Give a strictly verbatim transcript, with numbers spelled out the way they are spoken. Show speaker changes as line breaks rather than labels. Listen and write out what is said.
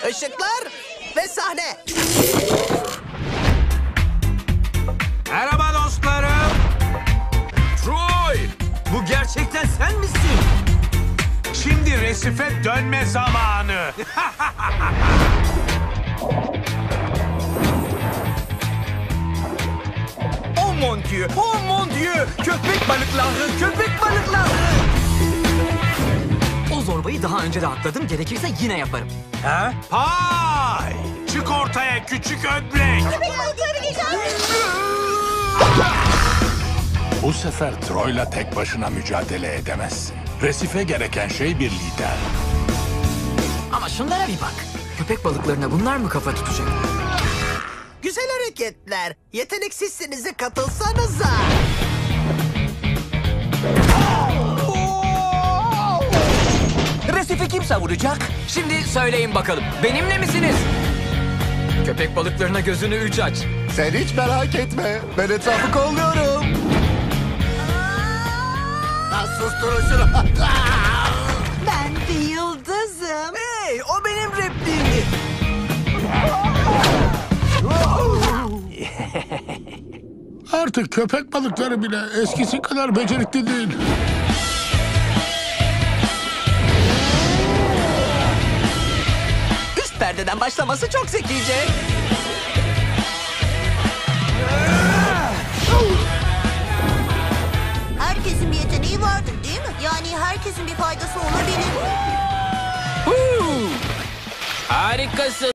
Işıklar ve sahne.
Merhaba dostlarım. Troy, bu gerçekten sen misin? Şimdi Resif'e dönme zamanı.
Oh mon dieu, oh mon dieu. Köpek balıkları, köpek balıkları.
O zorbayı daha önce de atladım. Gerekirse yine yaparım.
Ha?
Pay! Çık ortaya küçük ödlek.
Bu sefer Troy'la tek başına mücadele edemezsin. Resif'e gereken şey bir lider.
Ama şunlara bir bak. Köpek balıklarına bunlar mı kafa tutacak?
Güzel hareketler. Yeteneksizsinize katılsanıza.
Resif'i kim savuracak?
Şimdi söyleyin bakalım. Benimle misiniz? Köpek balıklarına gözünü üç aç.
Sen hiç merak etme. Ben etrafı kolluyorum. Susturun şunu.
Ben bir yıldızım.
Hey, o benim replimdi.
Artık köpek balıkları bile eskisi kadar becerikli değil.
Üst perdeden başlaması çok zekice.
Herkesin bir yeteneği vardır değil mi? Yani herkesin bir faydası olabilir.
Harikasın.